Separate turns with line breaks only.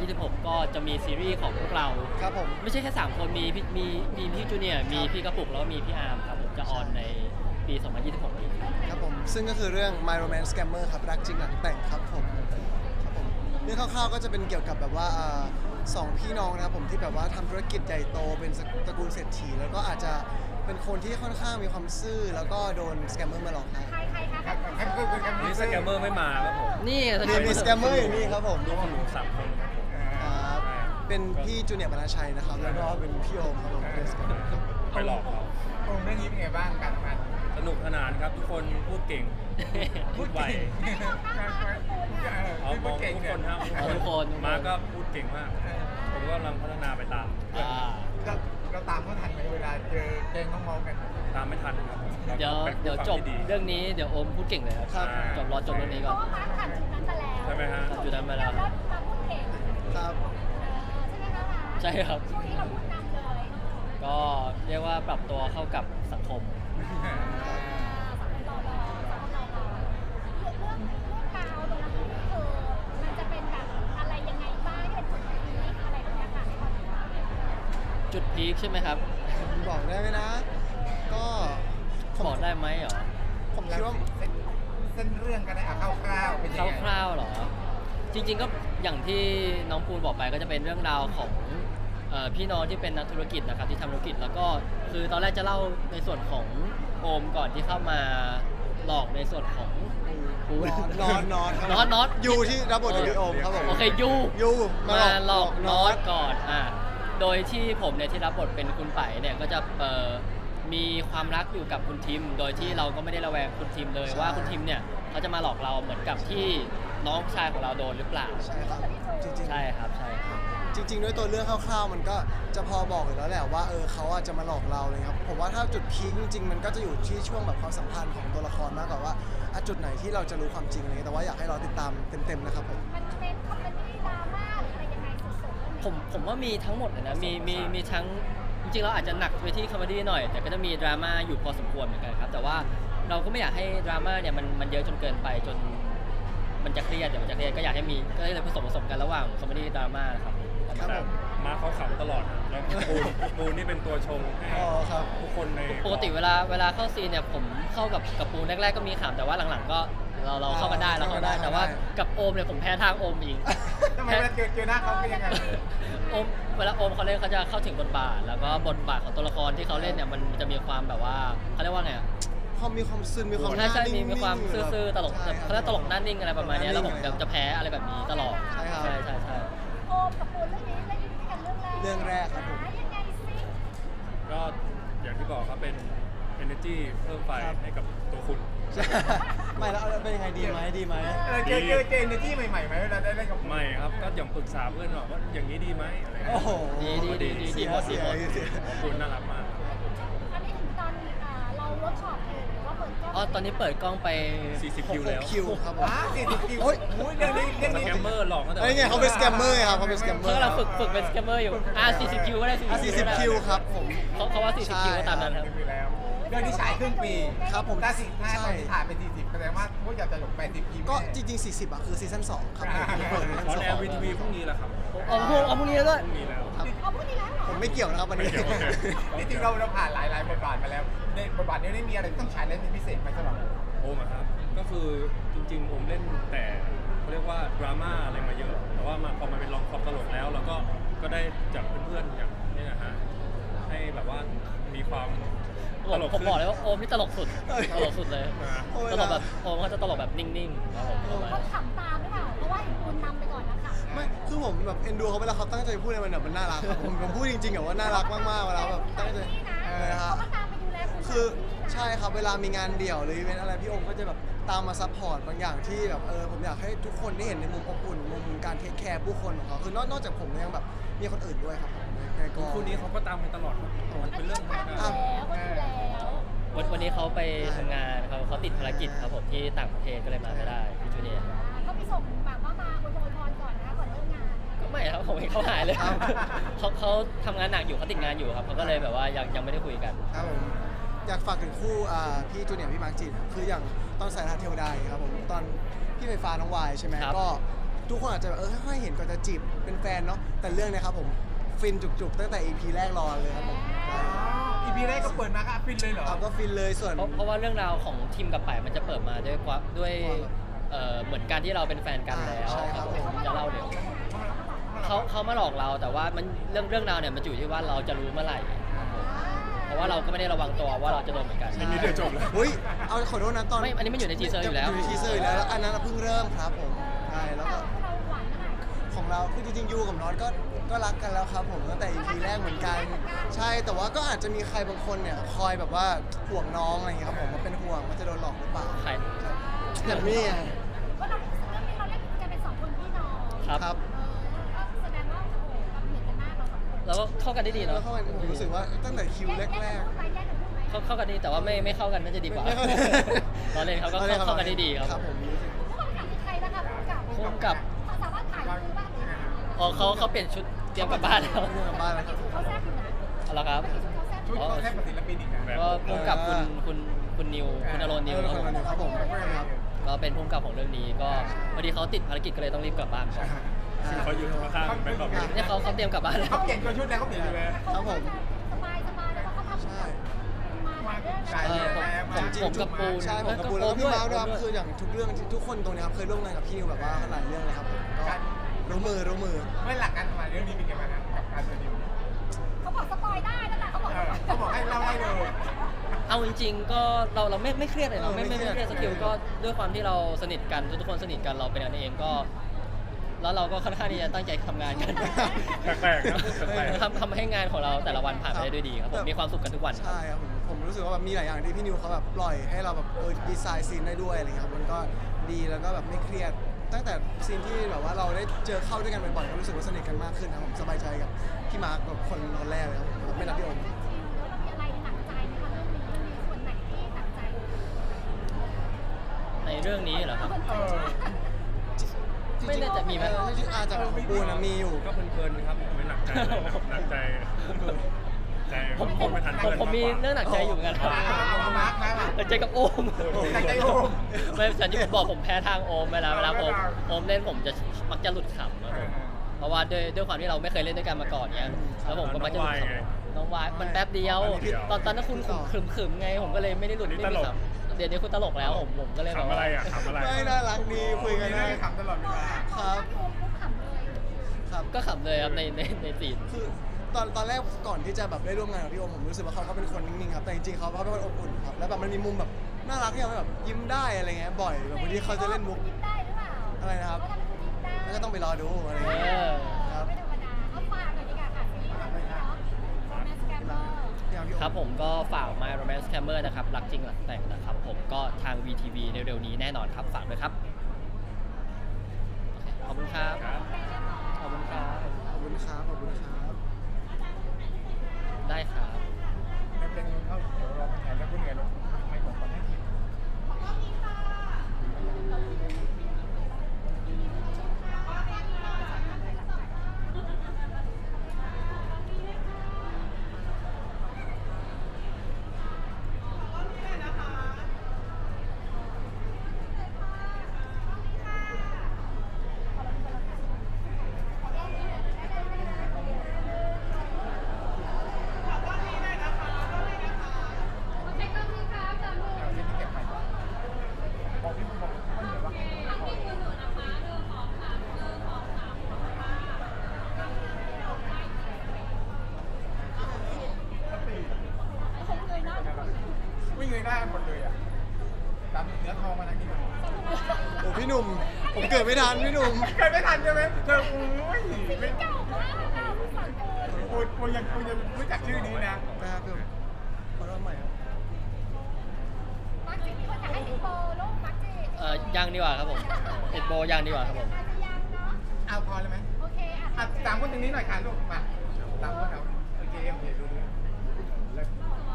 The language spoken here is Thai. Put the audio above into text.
2026 ก็จะมีซีรีส์ของพวกเรา
ครับผม
ไม่ใช่แค่3คนมีพี่จูเนียร์มีพี่กระปุกแล้วก็มีพี่อาร์มครับผมจะออนในปี 2026 นี้
ครับผมซึ่งก็คือเรื่อง My Romance Scammer ครับรักจริงหลังแต่งครับผมเรื่องคร่าวๆก็จะเป็นเกี่ยวกับแบบว่าสองพี่น้องนะครับผมที่แบบว่าทำธุรกิจใหญ่โตเป็นตระกูลเศรษฐีแล้วก็อาจจะเป็นคนที่ค่อนข้างมีความซื่อแล้วก็โดนสแกมเมอร์มาหลอกให้
นี่สแกมเมอร์ไม่มาครับผม
นี่
มีสแกมเมอร์อยู่นี่ครับผม
ลูกของหนู3 คน
ครับเป็นพี่จูเนียร์บรรณชัยนะครับแล้วก็เป็นพี่โอมครับผมเป็นสแกมเมอร์
ไปหลอกเขา
โอ้เรื่องนี้เป็นไงบ้างการทำงาน
สนุกสนานครับทุกคนพูดเก่งพูดไวเอาม
พู
อ
ด
ง
เก่ง
ทุก
เนี่
ค
ย
นครับทุกคนมาก็พูดเก่งมาก ผมก็กำลังพัฒนาไปตาม
เราตามเขาทันไหมเวลาเจอแกงน้องเมากัน
ตามไม่ทันครับผม
เดี๋ยวจบเรื่องนี้เดี๋ยวโอมพูดเก่งเลยครับรอจบเรื่องนี้ก่อน
ใช่ไหมฮะ
จุดนั้นมาแล้ว
ครับ
ใช่ครับก็เรียกว่าปรับตัวเข้ากับสังคมจุดพีคใช่ไหมครับ
บอกได้ไหมนะ ก็
บอกได้ไหมเหรอ
ผมคิดว่า
เส้นเรื่องกันนะคร่าวๆเป็นยังไง
คร่าวๆเหรอ จริงๆก็อย่างที่น้องปูนบอกไปก็จะเป็นเรื่องราวของพี่น้องที่เป็นนักธุรกิจนะครับที่ทำธุรกิจแล้วก็คือตอนแรกจะเล่าในส่วนของโอมก่อนที่เข้ามาหลอกในส่วนของปูน
นอน
น็อต
ยูที่รับบทโดยพี่โอมครับผม
โอเคยู
ยู
มาหลอกน็อตก่อนโดยที่ผมเนี่ยที่รับบทเป็นคุณไปเนี่ยก็จะมีความรักอยู่กับคุณทิมโดยที่เราก็ไม่ได้ระแวงคุณทิมเลยว่าคุณทิมเนี่ยเขาจะมาหลอกเราเหมือนกับที่น้องชายของเราโดนหรือเปล่า
ใช่ครับจริงๆ
ใช่ครับใช่ครับ
จริงๆด้วยตัวเรื่องคร่าวๆมันก็จะพอบอกอยู่แล้วแหละว่าเขาอาจจะมาหลอกเราเลยครับผมว่าถ้าจุดพีคจริงๆมันก็จะอยู่ที่ช่วงแบบความสัมพันธ์ของตัวละครมากกว่าว่าจุดไหนที่เราจะรู้ความจริงอะไรแต่ว่าอยากให้เราติดตามเต็มๆนะครับผม
มันเป็นคอมเมดี้ดราม่าหรืออะไรยังไงสุดๆ
ผมว่ามีทั้งหมดเลยนะมีทั้งจริงๆเราอาจจะหนักไปที่คอมเมดี้หน่อยแต่ก็จะมีดราม่าอยู่พอสมควรเหมือนกันครับแต่ว่าเราก็ไม่อยากให้ดราม่าเนี่ยมันเยอะจนเกินไปจนมันจะเครียดก็อยากให้มีก็เลยผสมกันระหว่างคอมเมดี้ดราม่าครับ
ครับผม
มาเขาขำตลอดนะแล้วปูนนี่เป็นตัวชงให้
อ๋อครับ
ทุกคนใน
ปกติเวลาเข้าซีนเนี่ยผมเข้ากับปูนแรกๆก็มีขำแต่ว่าหลังๆก็เราเข้ากันได้แต่ว่ากับโอมเนี่ยผมแพ้ทางโอมอีก
ทำไมเวลาเจอหน้าเขาเป็นยังไง
โอมเวลาโอมเขาเล่นเขาจะเข้าถึงบทบาทแล้วก็บทบาทของตัวละครที่เขาเล่นเนี่ยมันจะมีความแบบว่าเขาเรียกว่าไง
พอมีความซึนมีความ
ใช่
นิ่งๆ
มีความซื่อๆตลก
ใช่ครับ
เขาเรียกตลกหน้านิ่งอะไรประมาณเนี้ยแล้วผมจะแพ้อะไรแบบนี้ตลอด
ใช่ครับ
ใช่
โอมกับปูนเรื่องนี้เล่นด้วยกันเรื่องแรก
เรื่องแรกครับผม
ยังไงซิ
ก็อย่างที่บอกครับเป็น energy เพิ่มไฟให้กับตัวคุณ
ใช่ไม่แล้วเป็นยังไงดีไหม
เจอเนที่ใหม่ๆไหมเวลาได้เล่นกับ
ไม่ครับก็อย่างปรึกษาเพื่อนว่าอย่างนี้ดีไหมอะไรเงี้ย
โอ้โห
ดีหมด
เสีย
คุณน่ารักมาก
อันนี้ถึงตอนเราเวิร์กช็อปอยู่หรือว่าเปิดกล้อง
อ๋อตอนนี้เปิดกล้องไป
40 คิวแล้ว
คิวครับผม
40 คิว
โอ๊ย
เรื่องนี้
สแกมเมอร์หลอกตั้งแต่
ไอ้เนี่ยเขาเป็นสแกมเมอร์ครับเขาเป็นสแกมเมอ
เขา
ร์
กำลังฝึกเป็นสแกมเมอร์อยู่40 คิวก็ได้
40 คิวครับผม
เขาว่า40 คิวก็ตามนั้นครับ
แล้วเรื่องนี้ฉายครึ่งปี
ครับผม
ถ้าตอนที่ถ่ายเป็น40แสดงว่าพวกอยากจะหลง80 คิว
ก็จริงๆ40คือซีซั่น2ครับผมเปิดซีซั่น
ออน
ส
แอ
อง
ร์วีทีวีพรุ่งนี้แหละครับ
เอาพรุ่งนี้แล้วด้วย
พรุ่งนี้แล้ว
เอาพูดดีแล้วเหรอ
ผมไม่เกี่ยวนะครับวันนี้
ไม่เกี่ยวโอเค
จริงๆเราผ่านหลายบทบาทมาแล้วในบทบาทนี้ได้มีอะไรต้องฉายเล่นเป็นพิเศษไหมสำหรับ
โอมอะครับก็คือจริงๆโอมเล่นแต่เขาเรียกว่าดราม่าอะไรมาเยอะแต่ว่าพอมาเป็นลองคอมตลกแล้วเราก็ได้จากเพื่อนๆอย่างนี้นะฮะให้แบบว่ามีความตลก
ผมบอกเลยว่าโอมนี่ตลกสุดเลย
โอ้ย
ตลกแบบโอมเขาจะตลกแบบนิ่งๆครับผมประมาณ
เขาขำตามหรือเปล่าเพราะว่าปูนนำไปก่อนนะคะ
ไม่คือผมแบบเอ็นดูเขาเวลาเขาตั้งใจพูดอะไรมันน่ารักครับผมพูดจริงๆอะว่าน่ารักมากๆเวลาแบบตั้งใจ
นี่นะ
ฮะ
เขาก็ตามไปดูแลคุณ
คือใช่ครับเวลามีงานเดี่ยวหรืออีเวนต์อะไรพี่โอมก็จะแบบตามมาซัพพอร์ตบางอย่างที่แบบผมอยากให้ทุกคนได้เห็นในมุมอบอุ่นมุมการเทคแคร์ผู้คนของเขาคือนอกจากผมยังแบบมีคนอื่นด้วยครับผมในกอง
คู่นี้เขาก็ตามกันตลอดครับมันเป็นเรื่องธรรมดา
ก็ดูแล้ว
วันนี้เขาไปทำงานเขาติดภารกิจครับผมที่ต่างประเทศก็เลยมาไม่ได้พี่จูเนียร์
ก็มีส่งแบบว่ามาอวยพรก่อนนะก่อนเริ่มงาน
ก็ไม่ครับผมเห็นเขาหายเลยเขาทำงานหนักอยู่เขาติดงานอยู่ครับเขาก็เลยแบบว่ายังไม่ได้คุยกัน
ครับผมอยากฝากถึงคู่พี่จูเนียร์พี่มาร์คจินคืออย่างตอนสายทานเทวดาครับผมตอนพี่ไฟฟ้าน้องวายใช่ไหม
ครับ
ก็ทุกคนอาจจะแบบค่อยๆเห็นก่อนจะจีบเป็นแฟนเนาะแต่เรื่องเนี้ยครับผมฟินจุกๆตั้งแต่ EP แรกรอเลยครับผมใช่
อีพีแรกก็เปิดมาก็ฟินเลยเหรอ
เอาก็ฟินเลยส่วน
เพราะว่าเรื่องราวของทีมกับป่ายมันจะเปิดมาด้วยเหมือนการที่เราเป็นแฟนกันแล้ว
ใช่ครับ
ผมจะเล่าเดี๋ยวเขามาหลอกเราแต่ว่ามันเรื่องราวเนี่ยมันอยู่ที่ว่าเราจะรู้เมื่อไหร่ครับผมเพราะว่าเราก็ไม่ได้ระวังตัวว่าเราจะโดนเหมือนกัน
ไม่มีเดี๋ยวจบแล้ว
อุ้ยเอาขอโทษนะตอน
ไม่อันนี้มันอยู่ในทีเซอร์อยู่แล้ว
อยู่ในทีเซอร์อยู่แล้วอันนั้นเพิ่งเริ่มครับผมใช่แล้วก็
เราหวานขนาดไหน
ของเราคือจริงๆยูกับน็อตก็รักกันแล้วครับผมตั้งแต่ EP แรกเหมือนกัน ใช่แต่ว่าก็อาจจะมีใครบางคนเนี่ยคอยแบบว่าห่วงน้องอะไรอย่างเงี้ยครับผมว่าเป็นห่วงว่าจะโดนหลอกหรือเปล่า
ใคร
อย่างนี้ไง
ว่าเราเรื่องนี้เราเล่นกันเป็นสองคนพี่น้อง
ครับ
ครับ
ก็แสดงว่าโอ้โหเราเหมือนกันมากเราสองคน
แล้วก็เข้ากันได้ดี
แล้
เนาะ
วเข้าไปผมรู้สึกว่าตั้งแต่คิวแรก
แยกกันพูดไหม
เข้ากันดีแต่ว่าไม่เข้ากันน่าจะดีกว่า
ไม่เข้า
ตอนเล่นเขาก็เข้ากันได้ดีครับ
ครับผม
ผู้กำกับคือใครนะคะผู้กำกับ
พุ่มกับ
เขาสามารถถ่ายรูปบ้างไหม
อ๋อเขาเปลี่ยนชุดเตรียมกลับบ้านแล้ว
เรื่องบ้านแล้วครับ
เขาแซ่บอยู่นะ
เอาละครับ
เขาแซ่บอยู่
ชุดเขาแทบเป็นศิลปินอีกนะ
ก็พุ่มกับคุณนิวคุณอโรนนิว
เออ
ครับผม
ครับผมครับ
ก็เป็นพุ่มกับของเรื่องนี้ก็พอดีเขาติดภารกิจก็เลยต้องรีบกลับบ้านก่อน
คือเขาอยู่ข้างๆเป็นแบบ
เนี่ยเขาเตรียมกลับบ้านแล้ว
เขาเปลี่ยนตัวชุดแล้วเขาเปลี่ยนชุดแล้ว
ครับผม
สบายแล้วก็เขาทำ
ใช่
มาเรื่อง
ใช่
ผมกับปูน
ใช่ผมกับปูนแล้วก็พี่มาร์คด้วยครับคืออย่างทุกเรื่องทุกคนตรงนี้ครับเคยร่วมงานกับพี่นิวแบบว่าหลายเรื่องเลยครับผมก็รู้มือ
เมื่อหลักการทำงานเรื่องนี้เป็นยังไงบ้างกับการเป็นดิว
เขาบอกสปอยได้นั่นแหละเขาบอก
เขาบอกให้เล่าได้เลย
เอาจริงๆก็เราไม่เครียดเลยเนาะไม่เครียดสกิลก็ด้วยความที่เราสนิทกันทุกคนสนิทกันเราเป็นกันเองก็ แล้วเราก็ค่อนข้างที่จะตั้งใจทำงานกัน
แปลกๆนะแปลก
ทำให้งานของเราแต่ละวันผ่านไปได้ด้วยดีครับผมมีความสุขกันทุกวันครับ
ใช่ครับผมรู้สึกว่าแบบมีหลายอย่างที่พี่นิวเขาแบบปล่อยให้เราแบบดีไซน์ซีนได้ด้วยอะไรเงี้ยครับมันก็ดีแล้วก็แบบไม่เครียด ตั้งแต่ซีนที่แบบว่าเราได้เจอเข้าด้วยกันบ่อยๆก็รู้สึกว่าสนิทกันมากขึ้นครับผมสบายใจกับพี่มาร์คแบบคนแรกเลยครับผมไม่รับพี่โอม
แล้วมีอะไรหนักใจไหมคะเรื่องนี้มันมีส่วนไหนที่หนักใจ
ในเรื่องนี้เหรอครับ ไม่น่าจะมีไหม
จริงๆอาจจะของปูนะมีอยู่
ก็เพลินๆครับไม่หนักใจเลยหนักใจใจผมไม่ทันเพื่อน
ผมมีเรื่องหนักใจอยู่เหมือนกันครับ
เอามาร์คมา
หนักใจกับโอม
หนักใจโอม
ไม่ฉันที่ผมบอกผมแพ้ทางโอมเวลาโอมเล่นผมจะมักจะหลุดขำครับผมเพราะว่าด้วยความที่เราไม่เคยเล่นด้วยกันมาก่อนเนี้ยแล้วผมก็มักจะหลุดขำน้องวายมันแป๊บเดียว ตอนนั้นคุณขึมๆไง ผมก็เลยไม่ได้หลุดไม่มีขำเดี๋ยวนี้คุณตลกแล้วผมก็เลยแบบ
ขำอะไร
ว่า
อ่ะขำอะไร
ไม่น่ารักดีคุยกันได้
ขำตลอดเวลา
ครับ
พี่โอมปุ๊บขำเลย
ครับ
ก็ขำเลยครับในซีน
คือตอนแรกก่อนที่จะแบบได้ร่วมงานกับพี่โอมผมรู้สึกว่าเขาเป็นคนนิ่งๆครับแต่จริงๆเขาเป็นคนอบอุ่นครับแล้วแบบมันมีมุมแบบน่ารักที่เราแบบยิ้มได้อะไรเงี้ยบ่อยแบบบางทีเขาจะเล่นมุก
ยิ้มได้หรือเปล่า
อะไรนะครับ
เขาทำให้คุณยิ้มได้
แล้วก็ต้องไปรอดูอะไรเงี้ยครับ
ไม่ธรรมดาเอาฝากหน่อยดีกว่าค่ะซีรีส์เรื่องนี้เนาะ Romance Scammer
พี่โอ
ครับผมก็ฝาก My Romance Scammer นะครับรักจริงหลังแต่งนะครับผมก็ทาง VTV เร็วๆนี้แน่นอนครับฝากด้วยครับขอบคุณครับขอบคุณครับ
ขอบคุณครับขอบคุณครับ
ได้ครับ
ไม่เป็นเข้าเดี๋ยวรอแข่งแล้วคุณเหนื่อยลงไม่กดก่อนให้ทีม เอาที่นี่เก็บไปบอกพี่บอกไม่เหนื่อยว่า
ผมเลยนะ
วิ่งเลยได้หมดเลยอ่ะตามเนื้อทองมาทางนี้ก่อน
โอ้พี่หนุ่มผมเกิดไม่ทันพี่หนุ่ม
เคยไม่ทันใช่ไหมเธออุ้ยไม่
เก่ามากอ่ะผู้สอนเกิน
กูยังรู้จักชื่อนี้นะ
นะครับพี่หนุ่มขอรอบใหม่ครับ
มาร์คจิมีคนอยากให้ติดโบลูกมาร์คจิ
ยังดีกว่าครับผมติดโบยังดีกว่าครับผม
อาจจะยังเนาะ
เอาพอเลยไหม
โอเค
อ่ะตามคนตรงนี้หน่อยค่ะลูกมาตามคนเอาโอเคดูดู